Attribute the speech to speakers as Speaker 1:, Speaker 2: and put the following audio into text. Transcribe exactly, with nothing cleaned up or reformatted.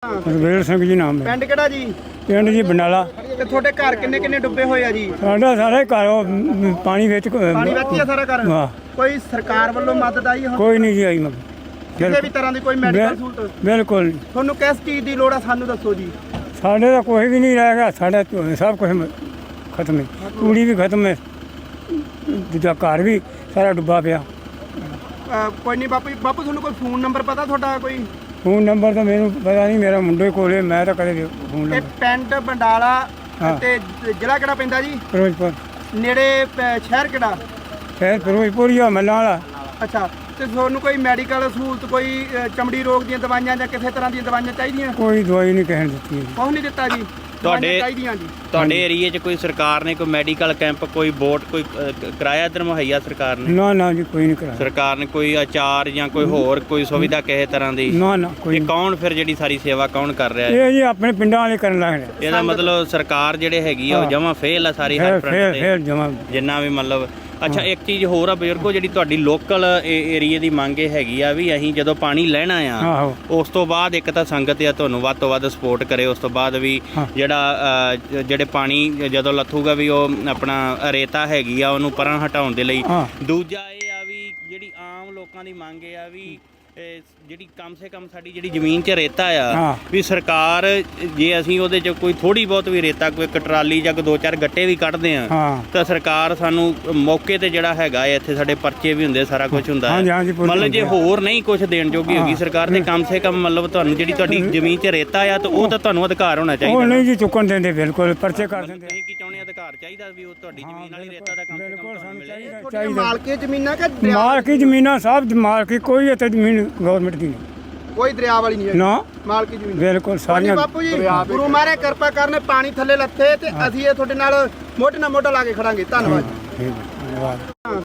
Speaker 1: ਰਵੇਲ ਸਿੰਘ ਜੀ ਨਾਮ ਹੈ।
Speaker 2: ਪਿੰਡ ਕਿਹੜਾ ਜੀ?
Speaker 1: ਪਿੰਡ ਜੀ ਬੰਡਾਲਾ।
Speaker 2: ਤੇ ਤੁਹਾਡੇ ਘਰ ਕਿੰਨੇ ਕਿੰਨੇ ਡੁੱਬੇ ਹੋਏ ਆ ਜੀ?
Speaker 1: ਸਾਡਾ ਸਾਰੇ ਘਰ ਉਹ ਮ, ਪਾਣੀ ਵਿੱਚ
Speaker 2: ਪਾਣੀ ਵਿੱਚ ਹੀ ਆ ਸਾਰਾ ਘਰ?
Speaker 1: ਵਾਹ।
Speaker 2: ਕੋਈ ਸਰਕਾਰ ਵੱਲੋਂ ਮਦਦ ਆਈ ਹੁਣ?
Speaker 1: ਕੋਈ ਨਹੀਂ ਜੀ ਆਈ ਮਗਰ
Speaker 2: ਕਿਸੇ ਵੀ ਤਰ੍ਹਾਂ ਦੀ ਕੋਈ ਮੈਡੀਕਲ ਸਹੂਲਤ?
Speaker 1: ਬਿਲਕੁਲ ਨਹੀਂ।
Speaker 2: ਤੁਹਾਨੂੰ ਕਿਸ ਚੀਜ਼ ਦੀ ਲੋੜ ਆ ਸਾਨੂੰ ਦੱਸੋ ਜੀ।
Speaker 1: ਸਾਡੇ ਦਾ ਕੋਈ ਵੀ ਨਹੀਂ ਰਹਿ ਗਿਆ, ਸਾਡਾ ਸਭ ਕੁਝ ਖਤਮ ਹੈ। ਕੁੜੀ ਵੀ ਖਤਮ ਹੈ, ਦੂਜਾ ਘਰ ਵੀ ਸਾਰਾ ਡੁੱਬਾ ਪਿਆ।
Speaker 2: ਅਹ ਕੋਈ ਨਹੀਂ ਬਾਪੂ ਜੀ, ਬਾਪੂ ਤੁਹਾਨੂੰ ਕੋਈ ਫੋਨ ਨੰਬਰ ਪਤਾ ਤੁਹਾਡਾ ਕੋਈ?
Speaker 1: ਫੋਨ ਨੰਬਰ ਤਾਂ ਮੈਨੂੰ ਪਤਾ ਨਹੀਂ, ਮੇਰਾ ਮੁੰਡੇ ਕੋਲ ਹੈ, ਮੈਂ ਤਾਂ ਕਦੇ ਫੋਨ
Speaker 2: ਇਹ
Speaker 1: ਨੰਬਰ।
Speaker 2: ਪਿੰਡ ਬੰਡਾਲਾ
Speaker 1: ਹਾਂ।
Speaker 2: ਤੇ ਜ਼ਿਲ੍ਹਾ ਕਿਹੜਾ ਪੈਂਦਾ ਜੀ?
Speaker 1: ਫਿਰੋਜ਼ਪੁਰ।
Speaker 2: ਨੇੜੇ ਪ- ਸ਼ਹਿਰ ਕਿਹੜਾ?
Speaker 1: ਸ਼ਹਿਰ ਫਿਰੋਜ਼ਪੁਰ ਹੀ ਆ, ਮੱਲਾਂ ਵਾਲਾ।
Speaker 2: ਅੱਛਾ, ਤੇ ਤੁਹਾਨੂੰ ਕੋਈ ਮੈਡੀਕਲ ਸਹੂਲਤ, ਕੋਈ ਅਹ, ਚਮੜੀ ਰੋਗ ਦੀਆਂ ਦਵਾਈਆਂ ਜਾਂ ਕਿਸੇ ਤਰ੍ਹਾਂ ਦੀਆਂ ਦਵਾਈਆਂ ਚਾਹੀਦੀਆਂ?
Speaker 1: ਕੋਈ ਦਵਾਈ ਨਹੀਂ ਕਹਿਣ ਦਿੱਤੀ ਹੈ।
Speaker 2: ਕੁਛ ਨਹੀਂ ਦਿੱਤਾ ਜੀ?
Speaker 3: ਤੁਹਾਡੇ-
Speaker 2: ਦਵਾਈਆਂ ਚਾਹੀਦੀਆਂ ਜੀ?
Speaker 3: ਤੁਹਾਡੇ ਏਰੀਏ 'ਚ ਕੋਈ ਸਰਕਾਰ ਨੇ ਕੋਈ ਮੈਡੀਕਲ ਕੈਂਪ, ਕੋਈ ਬੋਟ, ਕੋਈ ਅ, ਕ- ਕਿਰਾਇਆ ਇੱਧਰ ਮੁਹੱਈਆ ਸਰਕਾਰ ਨੇ?
Speaker 1: ਨਾ ਨਾ ਜੀ, ਕੋਈ ਨਹੀਂ ਕਰਾਇਆ।
Speaker 3: ਸਰਕਾਰ ਨੇ ਕੋਈ ਆਚਾਰ ਜਾਂ ਕੋਈ ਹੋਰ ਕੋਈ ਸੁਵਿਧਾ ਕਿਸੇ ਤਰ੍ਹਾਂ ਦੀ?
Speaker 1: ਨਾ ਨਾ ਕੋਈ
Speaker 3: ਇਹ
Speaker 1: ਨਹੀਂ।
Speaker 3: ਕੌਣ ਫਿਰ ਜਿਹੜੀ ਸਾਰੀ ਸੇਵਾ ਕੌਣ ਕਰ ਰਿਹਾ ਹੈ?
Speaker 1: ਇਹ ਜੀ ਆਪਣੇ ਪਿੰਡਾਂ ਵਾਲੇ ਕਰਨ ਲੱਗ ਰਹੇ।
Speaker 3: ਇਹਦਾ ਮਤਲਬ ਸਰਕਾਰ ਜਿਹੜੇ ਹੈਗੀ ਆ ਉਹ
Speaker 1: ਹਾਂ।
Speaker 3: ਜਮਾ ਫੇਲ ਆ ਸਾਰੀ ਹਰ
Speaker 1: ਫੇਰ
Speaker 3: ਫਰੰਟ
Speaker 1: ਫੇਰ
Speaker 3: ਤੇ,
Speaker 1: ਫੇਰ ਜਮਾ।
Speaker 3: ਜਿੰਨਾ ਵੀ ਮਤਲਬ। ਅੱਛਾ, ਇੱਕ ਚੀਜ਼ ਹੋਰ ਆ ਬਜ਼ੁਰਗੋ, ਜਿਹੜੀ ਤੁਹਾਡੀ ਲੋਕਲ ਏਰੀਏ ਦੀ ਮੰਗ ਇਹ ਹੈਗੀ ਆ ਵੀ ਅਸੀਂ ਜਦੋਂ ਪਾਣੀ ਲੈਣਾ ਆ
Speaker 1: ਆਹੋ।
Speaker 3: ਉਸ ਤੋਂ ਬਾਅਦ ਇੱਕ ਤਾਂ ਸੰਗਤ ਆ ਤੁਹਾਨੂੰ ਵੱਧ ਤੋਂ ਵੱਧ ਸਪੋਰਟ ਕਰੇ, ਉਸ ਤੋਂ ਬਾਅਦ ਵੀ
Speaker 1: ਹਾਂ।
Speaker 3: ਜਿਹੜਾ ਅ, ਜਿਹੜੇ ਪਾਣੀ ਜਦੋਂ ਲੱਥੂਗਾ ਵੀ ਉਹ ਆਪਣਾ ਰੇਤਾ ਹੈਗੀ ਆ ਉਹਨੂੰ ਪਰਾਂ ਹਟਾਉਣ ਦੇ ਲਈ।
Speaker 1: ਹਾਂ।
Speaker 3: ਦੂਜਾ ਇਹ ਆ ਵੀ ਜਿਹੜੀ ਆਮ ਲੋਕਾਂ ਦੀ ਮੰਗ ਇਹ ਆ ਵੀ ਇਹ ਜਿਹੜੀ ਕਮ ਸੇ ਕਮ ਸਾਡੀ ਜਿਹੜੀ ਜ਼ਮੀਨ 'ਚ ਰੇਤਾ ਆ
Speaker 1: ਹਾਂ।
Speaker 3: ਵੀ ਸਰਕਾਰ, ਜੇ ਅਸੀਂ ਉਹਦੇ 'ਚ ਕੋਈ ਥੋੜੀ ਬਹੁਤ ਵੀ ਰੇਤਾ, ਕੋਈ ਇੱਕ ਟਰਾਲੀ ਜਾਂ ਕੋਈ ਦੋ ਚਾਰ ਗੱਟੇ ਵੀ ਕੱਢਦੇ ਆ
Speaker 1: ਹਾਂ।
Speaker 3: ਤਾਂ ਸਰਕਾਰ ਸਾਨੂੰ ਮੌਕੇ ਤੇ ਜਿਹੜਾ ਹੈਗਾ ਹੈ, ਇੱਥੇ ਸਾਡੇ ਪਰਚੇ ਵੀ ਹੁੰਦੇ, ਸਾਰਾ ਕੁਝ ਹੁੰਦਾ
Speaker 1: ਹਾਂਜੀ,
Speaker 3: ਹੈ।
Speaker 1: ਹਾਂਜੀ, ਪੁਲਿਸ
Speaker 3: ਮਤਲਬ ਜੇ
Speaker 1: ਹੁੰਦੀ
Speaker 3: ਹੋਰ ਨਹੀਂ ਕੁਝ ਦੇਣ ਜੋਗੀ ਹੋਗੀ ਸਰਕਾਰ, ਤੇ ਕਮ ਸੇ ਕਮ ਮਤਲਬ ਤੁਹਾਨੂੰ ਜਿਹੜੀ ਤੁਹਾਡੀ ਜ਼ਮੀਨ 'ਚ ਰੇਤਾ ਆ ਤਾਂ ਉਹ ਤਾਂ ਤੁਹਾਨੂੰ ਅਧਿਕਾਰ ਹੋਣਾ
Speaker 1: ਉਹ
Speaker 3: ਚਾਹੀਦਾ।
Speaker 1: ਨਹੀਂ ਜੀ ਚੁੱਕਣ ਦਿੰਦੇ, ਬਿਲਕੁਲ ਪਰਚੇ ਕਰ ਦਿੰਦੇ।
Speaker 3: ਤੁਸੀਂ ਕੀ ਚਾਹੁੰਦੇ, ਅਧਿਕਾਰ ਚਾਹੀਦਾ ਵੀ ਉਹ ਤੁਹਾਡੀ ਜ਼ਮੀਨ ਵਾਲੀ ਰੇਤਾ ਦਾ ਕਮ ਸੇ ਕਮ
Speaker 1: ਬਿਲਕੁਲ
Speaker 3: ਤੁਹਾਨੂੰ
Speaker 1: ਸਾਨੂੰ
Speaker 3: ਮਿਲੇ?
Speaker 1: ਚਾਹੀਦਾ
Speaker 2: ਤੁਹਾਡੀਆਂ
Speaker 1: ਚਾਹੀਦਾ।
Speaker 2: ਮਾਲਕੀ ਜ਼ਮੀਨਾਂ ਕਿ ਦਰਿਆ?
Speaker 1: ਮਾਲਕੀ ਜ਼ਮੀਨਾਂ ਸਭ ਮਾਲਕੀ, ਕੋਈ ਇੱਥੇ ਜ਼ਮੀਨ ਗਵਰਨਮੈਂਟ ਦੀ ਨਹੀਂ।
Speaker 2: ਕੋਈ ਦਰਿਆ ਵਾਲੀ ਨਹੀਂ ਹੈ
Speaker 1: ਨਾ
Speaker 2: ਮਾਲਕੀ ਜ਼ਮੀਨ?
Speaker 1: ਬਿਲਕੁਲ
Speaker 2: ਸਾਰੀਆਂ
Speaker 1: ਸਾਰੀਆਂ।
Speaker 2: ਬਾਪੂ ਜੀ, ਗੁਰੂ ਮਹਾਰਾਜ ਕਿਰਪਾ ਕਰਨ, ਪਾਣੀ ਥੱਲੇ ਲੱਥੇ ਤੇ ਅਸੀਂ ਇਹ ਤੁਹਾਡੇ ਨਾਲ ਮੋਢੇ ਨਾਲ ਮੋਢਾ ਲਾ ਕੇ ਖੜਾਂਗੇ। ਧੰਨਵਾਦ।
Speaker 1: ਠੀਕ ਹੈ, ਧੰਨਵਾਦ।